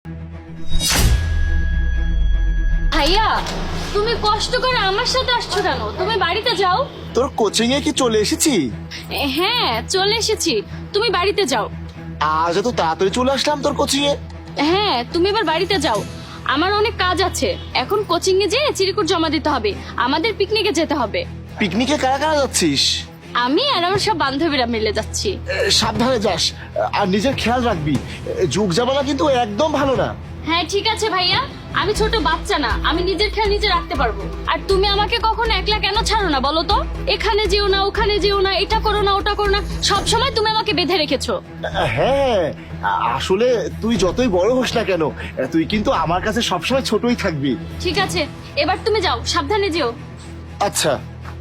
ভাইয়া, তুমি কষ্ট করে আমার সাথে আসছো কেন? তুমি বাড়িতে যাও। তোর কোচিং এ কি চলে এসেছি? হ্যাঁ, চলে এসেছি। তুমি বাড়িতে যাও। আজ এত তাড়াতাড়ি চলে আসলাম তোর কোচিং এ। হ্যাঁ, তুমি এবার বাড়িতে যাও। আমার অনেক কাজ আছে। এখন কোচিং এ যেয়ে চিরকুট জমা দিতে হবে। আমাদের পিকনিকে যেতে হবে। পিকনিকে কারা কারা যাচ্ছিস? আমি আর আমার সব বান্ধবীরা মিলে যাচ্ছি। সাবধানে যাস আর নিজের খেয়াল রাখবি। যুগ জামানা কিন্তু একদম ভালো না। হ্যাঁ ঠিক আছে ভাইয়া, আমি ছোট বাচ্চা না, আমি নিজের খেয়াল নিজে রাখতে পারবো। আর তুমি আমাকে কখনো একলা কেন ছাড়ো না বলো তো? এখানে যেও না, ওখানে যেও না, এটা করো না, ওটা করো না, সব সময় তুমি আমাকে বেঁধে রেখেছো। হ্যাঁ, আসলে তুই যতই বড় হোস না কেন, তুই কিন্তু আমার কাছে সবসময় ছোটই থাকবি। ঠিক আছে, এবার তুমি যাও, সাবধানে যেও। আচ্ছা।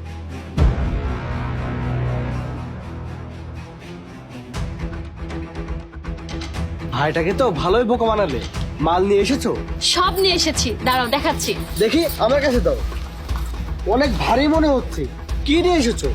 ভাইটাকে তো ভালোই বোকা বানালে। মাল নিয়ে এসেছো? সব নিয়ে এসেছি, দাঁড়াও দেখাচ্ছি। দেখি আমার কাছে দাও। অনেক ভারী মনে হচ্ছে। কি নিয়ে এসেছো?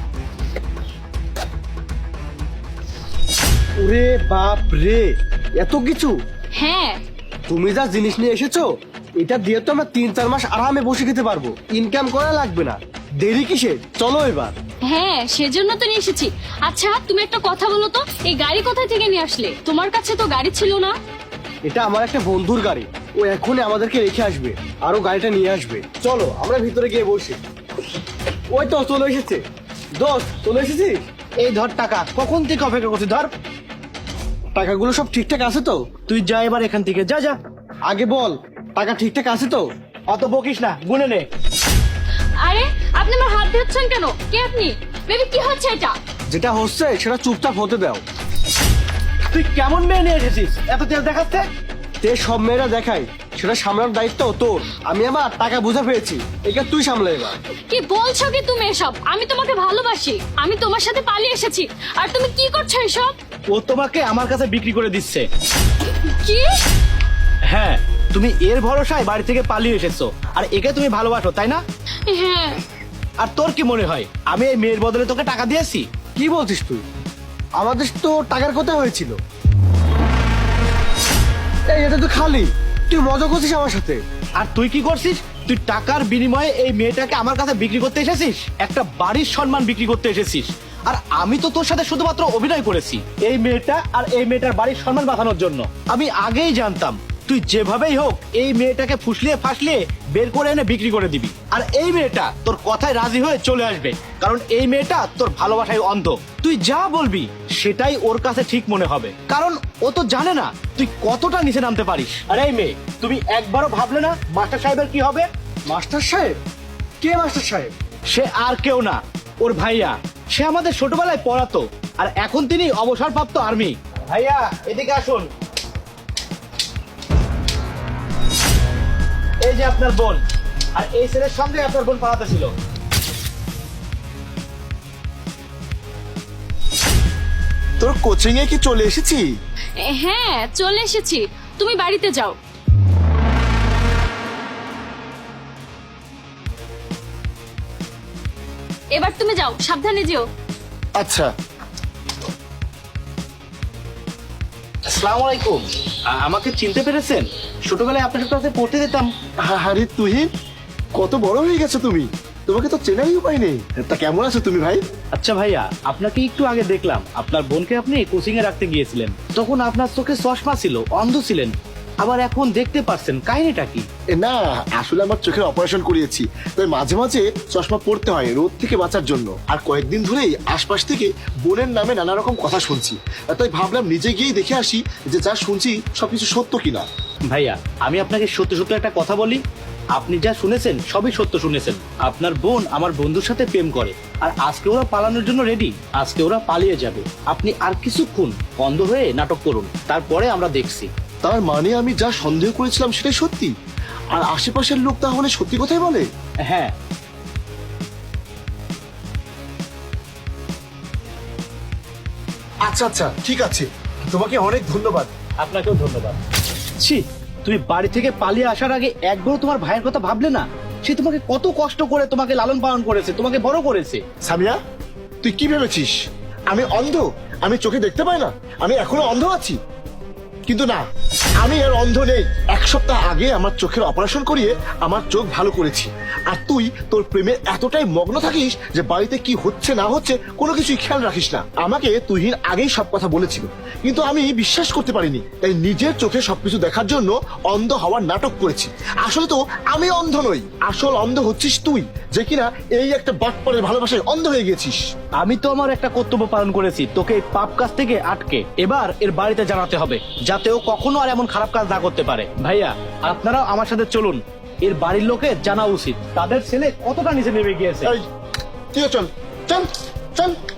ওরে বাপ রে, এত কিছু! হ্যাঁ, তুমি যা জিনিস নিয়ে এসেছো, এটা দিয়ে তো আমরা 3-4 মাস আরামে বসে খেতে পারবো। ইনকাম করা লাগবে না। দেরি কিসে? চলো এবার। হ্যাঁ, সেজন্য তো নিয়ে এসেছি। আচ্ছা, তুমি একটা কথা বলো তো, এই গাড়ি কোথায় থেকে নিয়ে আসলে? তোমার কাছে তো গাড়ি ছিল না। এটা আমার একটা বন্ধুর গাড়ি। ও এখনই আমাদেরকে রেখে আসবে, আরো গাড়িটা নিয়ে আসবে। চলো আমরা ভিতরে গিয়ে বসি। ওই তো চলে এসেছে। দোস্ত, চলে এসেছিস? এই ধর টাকা। কখন থেকে অপেক্ষা করছি, ধর। টাকাগুলো সব ঠিকঠাক আছে তো? তুই যা এবার এখান থেকে, যা যা। আগে বল, টাকা ঠিকঠাক আছে তো? অত বকিস না, গুনে নে। আরে, আপনি আমার হাত ধরছেন কেন? কে আপনি? বেবি, কি হচ্ছে এটা? যেটা হচ্ছে সেটা চুপচাপ হতে দাও। তুই কেমন মেয়ে নিয়ে এসেছিস? এত তেল দেখাচ্ছে। তে সব মেয়েরা দেখায়, সেটা সামলানোর দায়িত্ব তোর। আমি আমার টাকা বুঝে পেয়েছি, এটা তুই সামলে এবার। কি বলছো কি তুমি এসব? আমি তোমাকে ভালোবাসি, আমি তোমার সাথে পালিয়ে এসেছি, আর তুমি কি করছো এসব? ও তোমাকে আমার কাছে বিক্রি করে দিচ্ছে। কি? হ্যাঁ, তুমি এর ভরসায় বাড়ি থেকে পালিয়ে এসেছো, আর একে তুমি ভালোবাসো, তাই না? হ্যাঁ। আর তোর কি মনে হয় আমি এই মেয়ের বদলে তোকে টাকা দিয়েছি? কি বলছিস তুই? আমাদের তো টাকার কথা হয়েছিল। এই এটা তো খালি। তুই মজা করছিস আমার সাথে। আর তুই কি করছিস? তুই টাকার বিনিময়ে এই মেয়েটাকে আমার কাছে বিক্রি করতে এসেছিস, একটা বাড়ির সম্মান বিক্রি করতে এসেছিস। আর আমি তো তোর সাথে শুধুমাত্র অভিনয় করেছি এই মেয়েটা আর এই মেয়েটার বাড়ির সম্মান বাঁচানোর জন্য। আমি আগেই জানতাম তুই যেভাবেই হোক এই মেয়েটাকে ফুসলিয়ে ফাসলিয়ে বের করে এনে বিক্রি করে দিবি, আর এই মেয়েটা তোর কথায় রাজি হয়ে চলে আসবে, কারণ এই মেয়েটা তোর ভালোবাসায় অন্ধ। তুই যা বলবি সেটাই ওর কাছে ঠিক মনে হবে, কারণ ও তো জানে না তুই কতটা নিচে নামতে পারিস। আর এই মেয়ে, তুমি একবারও ভাবলে না মাস্টার সাহেবের কি হবে? মাস্টার সাহেব? কে মাস্টার সাহেব? সে আর কেউ না, ওর ভাইয়া। সে আমাদের ছোটবেলায় পড়াতো, আর এখন তিনি অবসরপ্রাপ্ত আর্মি। ভাইয়া, এদিকে আসুন। এই যে আপনার বোন, আর এই ছেলের সঙ্গে আপনার বোন পড়াতে ছিল। তোর কোচিং এ কি চলে এসেছি? হ্যাঁ, চলে এসেছি। তুমি বাড়িতে যাও। এবার তুমি যাও, সাবধানে যেও। আচ্ছা। আসসালামু আলাইকুম। আমাকে চিনতে পেরেছেন? ছোটবেলায় আপনার সাথে পড়তে যেতাম। আরে তুহিন, কত বড় হয়ে গেছো তুমি। তোমাকে তো চেনারই উপায় নেই। তা কেমন আছো তুমি ভাই? আচ্ছা ভাইয়া, আপনাকে একটু আগে দেখলাম আপনার বোনকে আপনি কোচিং এ রাখতে গিয়েছিলেন। তখন আপনার চোখে চশমা ছিল, অন্ধ ছিলেন, আবার এখন দেখতে পাচ্ছেন। কাহিনীটা কি? না, আসলে আমার চোখের অপারেশন করিয়েছি, তাই মাঝে মাঝে চশমা পড়তে হয় রোদ থেকে বাঁচার জন্য। আর কয়েকদিন ধরেই আশপাশ থেকে বোনের নামে নানা রকম কথা শুনছি, তাই ভাবলাম নিজে গিয়েই দেখে আসি যে যা শুনছি সবকিছু সত্য কিনা। ভাইয়া, আমি আপনাকে সত্য সত্য একটা কথা বলি, আপনি যা শুনেছেন সবই সত্য শুনেছেন। আপনার বোন আমার বন্ধুর সাথে প্রেম করে, আর আজকে ওরা পালানোর জন্য রেডি। আজকে ওরা পালিয়ে যাবে। আপনি আর কিছুক্ষণ অন্ধ হয়ে নাটক করুন, তারপরে আমরা দেখছি। তার মানে আমি যা সন্দেহ করেছিলাম সেটাই সত্যি, আর আশেপাশের লোক তাহলে সত্যি কথাই বলে। হ্যাঁ। আচ্ছা আচ্ছা, ঠিক আছে, তোমাকে অনেক ধন্যবাদ। আপনাকেও ধন্যবাদ। ছি, তুমি বাড়ি থেকে পালিয়ে আসার আগে একবারও তোমার ভাইয়ের কথা ভাবলে না? সে তোমাকে কত কষ্ট করে তোমাকে লালন পালন করেছে, তোমাকে বড় করেছে। সামিয়া, তুই কি ভেবেছিস আমি অন্ধ? আমি চোখে দেখতে পাই না? আমি এখনো অন্ধ আছি? কিন্তু না, আমি আর অন্ধ নেই। 1 সপ্তাহ আগে আমার চোখের অপারেশন করিয়ে আমার চোখ ভালো করেছি, আর তুই তোর প্রেমে এতটাই মগ্ন থাকিস যে বাড়িতে কি হচ্ছে না হচ্ছে কোনো কিছুই খেয়াল রাখিস না। আমাকে তুহিন আগেই সব কথা বলেছিল, কিন্তু আমি বিশ্বাস করতে পারিনি, তাই নিজের চোখে সবকিছু দেখার জন্য অন্ধ হওয়ার নাটক করেছি। আসলে তো আমি অন্ধ নই, আসল অন্ধ হচ্ছিস তুই, যে কিনা এই একটা বাটপারের ভালোবাসায় অন্ধ হয়ে গেছিস। আমি তো আমার একটা কর্তব্য পালন করেছি, তোকে এই পাপ কাজ থেকে আটকে। এবার এর বাড়িতে জানাতে হবে, যাতে ও কখনো আর এমন খারাপ কাজ না করতে পারে। ভাইয়া, আপনারাও আমার সাথে চলুন, এর বাড়ির লোকে জানা উচিত তাদের ছেলে কতটা নিচে নেমে গিয়েছে। এই, তুইও চল চল চল।